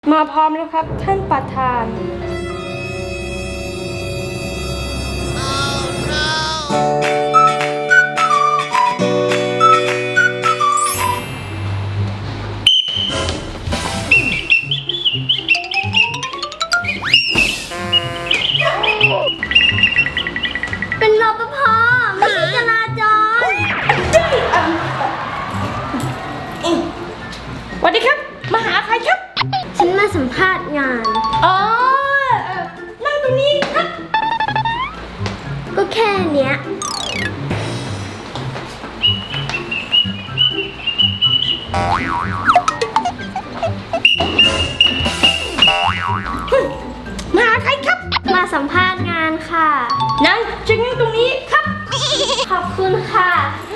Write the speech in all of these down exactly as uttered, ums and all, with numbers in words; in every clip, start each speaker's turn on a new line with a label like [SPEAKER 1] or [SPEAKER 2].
[SPEAKER 1] มาพร้อมแล้วครับท่านประธาน
[SPEAKER 2] เป็นรปภไม่ใช่จราจร
[SPEAKER 1] สวัสดีครับมาหาใครครับ
[SPEAKER 2] ฉันมาสัมภาษณ์งาน
[SPEAKER 1] อ๋อนั่งตรงนี้ครับ
[SPEAKER 2] ก็แค่เนี้ย
[SPEAKER 1] มาหาใครครับ
[SPEAKER 2] มาสัมภาษณ์งานค่ะ
[SPEAKER 1] นั่งจึงนั่งตรงนี้ครับ
[SPEAKER 2] ขอบคุณค่ะ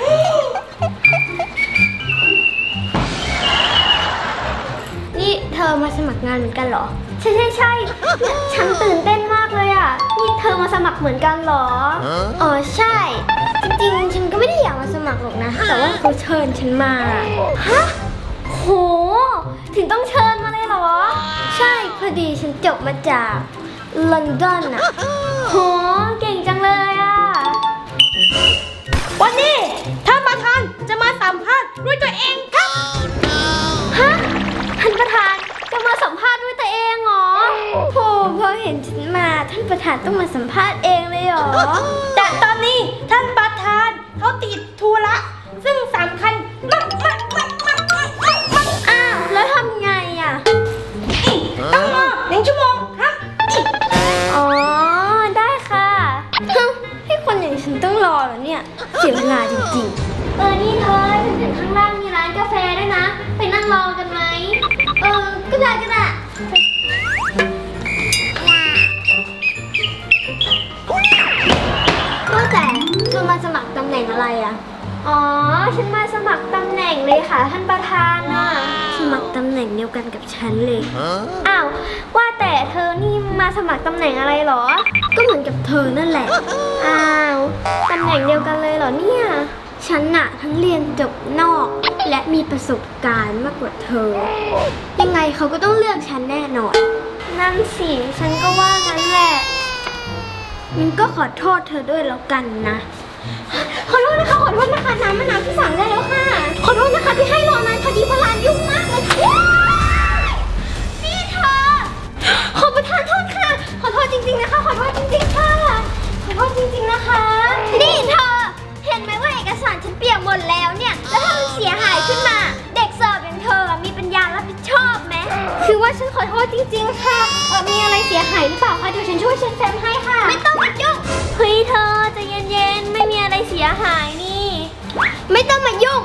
[SPEAKER 2] นี่เธอมาสมัครงานเหมือนกันเหรอใช่ใช่ใช่ฉันตื่นเต้นมากเลยอ่ะนี่เธอมาสมัครเหมือนกันเหรออ๋อใช่จริงๆฉันก็ไม่ได้อยากมาสมัครหรอกนะแต่ว่าเขาเชิญฉันมาฮะโหถึงต้องเชิญมาเลยเหรอใช่พอดีฉันจบมาจากลอนดอนอ่ะโหเก่งจังเลยอ่ะ
[SPEAKER 1] วันนี้ท่านประธานจะมาสัมภาษณ์ด้วยตัวเองครับ
[SPEAKER 2] ฮะท่านประธานจะมาสัมภาษณ์ด้วยตัวเองเหรอโหพอเห็นฉันมาท่านประธานต้องมาสัมภาษณ์เองเลยเหรอ
[SPEAKER 1] แต่ตอนนี้ท่านประธานเขาติดธุระซึ่งสำคัญมากมากมากมากมากมากมาก
[SPEAKER 2] อ้าวแล้วทำไงอ่ะ
[SPEAKER 1] ต้องรอหนึ่งชั่วโมงครับ
[SPEAKER 2] อ๋อได้ค่ะให้คนอย่างฉันต้องรอเหรอเนี่ยเสียเวลาจริงๆเออนี่เธอฉันเห็นข้างล่างมีร้านกาแฟด้วยนะไปนั่งรอกันไหมเออก็ได้ก็ได้ก็แต่เธอมาสมัครตำแหน่งอะไรอ่ะอ๋อฉันมาสมัครตำแหน่งเลยค่ะท่านประธานน่ะสมัครตำแหน่งเดียวกันกับฉันเลยอ้าวว่าแต่เธอนี่มาสมัครตำแหน่งอะไรหรอก็เหมือนกับเธอนั่นแหละอ้าวตำแหน่งเดียวกันเลยเหรอเนี่ยฉันน่ะทั้งเรียนจบนอกและมีประสบการณ์มากกว่าเธอยังไงเขาก็ต้องเลือกฉันแน่นอนนั่นสิฉันก็ว่างั้นแหละมันก็ขอโทษเธอด้วยแล้วกันนะขอโทษนะคะขอโทษนะคะน้ำมะนาวที่สั่งได้แล้วค่ะขอโทษนะคะที่ให้รอนานพอดีพลานยุ่งมากเลยนี่เธอขอประทานโทษค่ะขอโทษจริงๆนะคะขอโทษจริงๆค่ะขอโทษจริงๆนะคะนี่เธอเห็นไหมว่าเอกสารฉันเปียกหมดแล้วเนี่ยแล้วถ้ามันเสียหายขึ้นมาเด็กเสิร์ฟอย่างเธอมีปัญญารับผิดชอบไหมคือว่าฉันขอโทษจริงๆค่ะเออมีอะไรเสียหายหรือเปล่าคะเดี๋ยวฉันช่วยเช็ดแฟ้มให้ค่ะไม่ต้องมายุ่งเฮ้ยเธอใจเย็นๆไม่มีอะไรเสียหายนี่ไม่ต้องมายุ่ง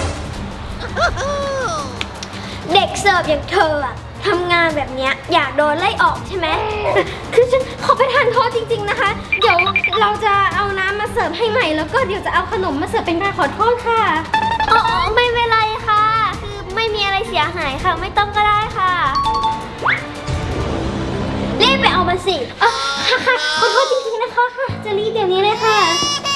[SPEAKER 2] เด็กเสิร์ฟอย่างเธออะทำงานแบบเนี้ยอยากโดนไล่ออกใช่ไหมคือฉันขอประทานโทษจริงๆนะคะเดี๋ยวเราจะเอาน้ำมาเสิร์ฟให้ใหม่แล้วก็เดี๋ยวจะเอาขนมมาเสิร์ฟเป็นการขอโทษค่ะอ๋อไม่เป็นไรค่ะคือไม่มีอะไรเสียหายค่ะไม่ต้องก็ได้ค่ะรีบไปเอามาสิอ๋อค่ะค่ะขอโทษจริงๆนะคะค่ะจะรีบเดี๋ยวนี้เลยค่ะ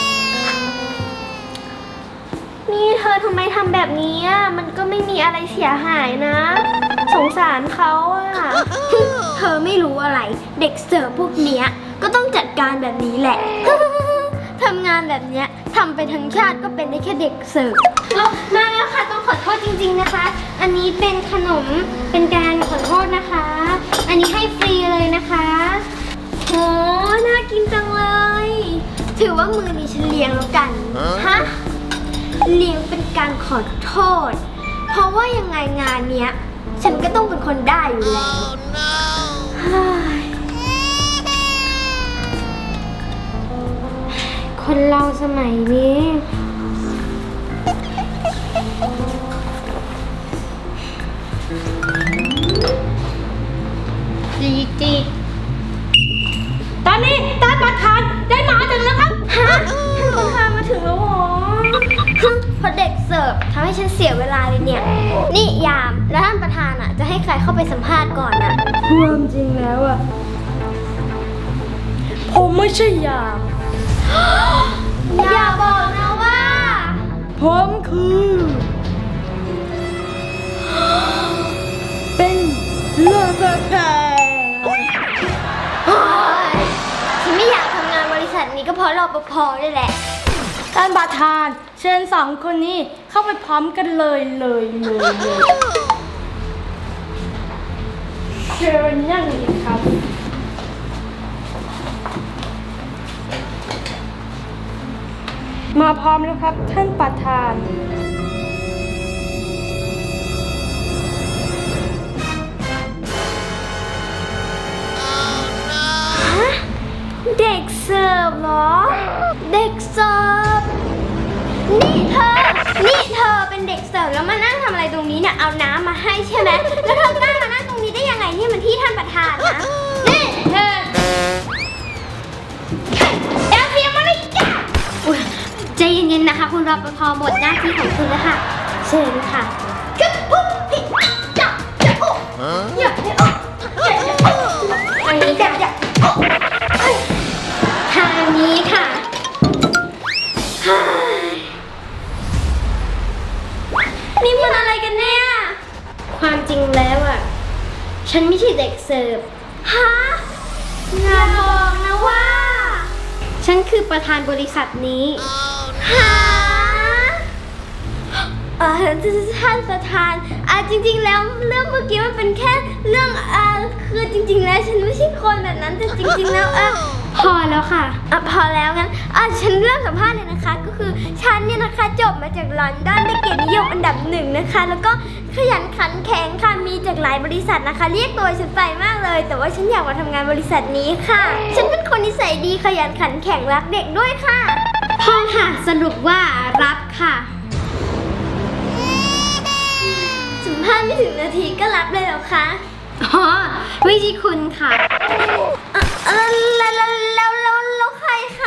[SPEAKER 2] นี่เธอทำไมทำแบบนี้อ่ะมันก็ไม่มีอะไรเสียหายนะสงสารเขาอ่ะเธอไม่รู้อะไรเด็กเสิร์ฟพวกเนี้ยก็ต้องจัดการแบบนี้แหละทำงานแบบเนี้ยทำไปทั้งชาติก็เป็นได้แค่เด็กเสิร์ฟมาแล้วค่ะต้องขอโทษจริงๆนะคะอันนี้เป็นขนมเป็นการขอโทษนะคะอันนี้ให้ฟรีเลยนะคะโหน่ากินจังเลยถือว่ามือนี้ฉันเลี้ยงแล้วกันฮะเลี้ยงเป็นการขอโทษเพราะว่ายังไงงานเนี้ยฉันก็ต้องเป็นคนได้อยู่แล้ว oh, no. คนเราสมัยนี้จีจี
[SPEAKER 1] ตอนนี้ท่านประธานได้มาถึงแล้วครับ
[SPEAKER 2] ฮะท่านประธานมาถึงแล้วเหรอพอเด็กเสิร์ฟทำให้ฉันเสียเวลาเลยเนี่ยนี่ยามแล้วท่านประธานอ่ะจะให้ใครเข้าไปสัมภาษณ์ก่อนอ่ะ
[SPEAKER 1] ความจริงแล้วอ่ะผมไม่ใช่ยาม
[SPEAKER 2] อย่าบอกนะว่า
[SPEAKER 1] ผมคือเป็นเลิกกันเถอะ
[SPEAKER 2] โอ๊ยฉันไม่อยากทำงานบริษัทนี้ก็เพราะรปภนี่แหละ
[SPEAKER 1] ท่านประธานเชิญสองคนนี้เข้าไปพร้อมกันเลยเลยเลยเลยเชิญนั่งดีครับมาพร้อมแล้วครับท่านประธาน
[SPEAKER 2] เด็กเสิร์ฟเหรอ เด็กเสิร์ฟ นี่เธอ นี่เธอเป็นเด็กเสิร์ฟแล้วมานั่งทำอะไรตรงนี้เนี่ย เอาน้ำมาให้ใช่ไหม แล้วเธอกล้ามานั่งตรงนี้ได้ยังไงนี่มันที่ท่านประธานนะ
[SPEAKER 1] นี่เธอเอลเฟียมาเลยจ้ะ
[SPEAKER 2] อุ๊ยใจเย็นๆนะคะ คุณรปภหมดหน้าที่ของคุณแล้วค่ะ เชิญค่ะ
[SPEAKER 1] กึ๊บปุ๊บพี่จับจับโอ้อย่าอย่าอย่าอย่าอันนี้จับจับโอ้
[SPEAKER 2] ทางนี้ค่ะ นี่มันอะไรกันเนี่ย ความจริงแล้วอ่ะ ฉันไม่ใช่เด็กเสิร์ฟ ฮะอย่าบอกนะว่า ฉันคือประธานบริษัทนี้ ฮะเออท่านประธานอ่ะจริงๆแล้วเรื่องเมื่อกี้มันเป็นแค่เรื่องอ่าคือจริงๆแล้วฉันไม่ใช่คนแบบนั้นแต่จริงๆแล้วเออพอแล้วค่ะอ่ะพอแล้วงั้นอ่ะฉันเริ่มสัมภาษณ์เลยนะคะ ก็คือฉันเนี่ยนะคะจบมาจากลอนดอนได้เกียรตินิยมอันดับหนึ่งนะคะ แล้วก็ขยันขันแข็งค่ะมีจากหลายบริษัทนะคะ เรียกตัวฉันไปมากเลย แต่ว่าฉันอยากมาทำงานบริษัทนี้ค่ะ ฉันเป็นคนนิสัยดีขยันขันแข็งรักเด็กด้วยค่ะพอค่ะสรุปว่ารับค่ะ สัมภาษณ์ไม่ถึงนาทีก็รับเลยเหรอคะ อ๋อไม่ใช่คุณค่ะเออแล้วแล้วแล้วแล้วแล้วใครคะ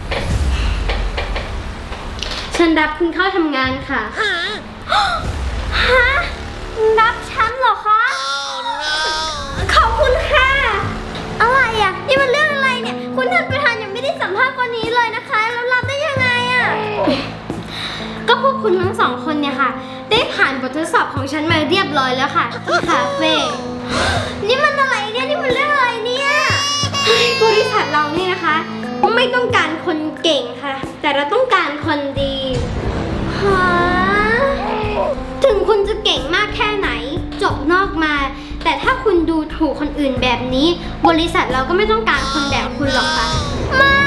[SPEAKER 2] ฉันรับคุณเข้าทำงานค่ะ ฮะ รับฉันเหรอคะ ขอบคุณค่ะ อะไรอ่ะ นี่มันเรื่องอะไรเนี่ย คุณท่านประธานยังไม่ได้สัมภาษณ์คนนี้เลยนะคะ แล้วรับได้ยังไงอ่ะ ก็พวกคุณทั้งสองคนเนี่ยค่ะ ได้ผ่านบททดสอบของฉันมาเรียบร้อยแล้วค่ะที่คาเฟ่ นี่มันอะไรเนี่ย นี่มันเรื่องอะไรเนี่ยเฮ้ยบริษัทเราเนี่ยนะคะ ไม่ต้องการคนเก่งค่ะ แต่เราต้องการคนดีฮะถึงคุณจะเก่งมากแค่ไหน จบนอกมา แต่ถ้าคุณดูถูกคนอื่นแบบนี้ บริษัทเราก็ไม่ต้องการคนแบบคุณหรอกค่ะ ไม่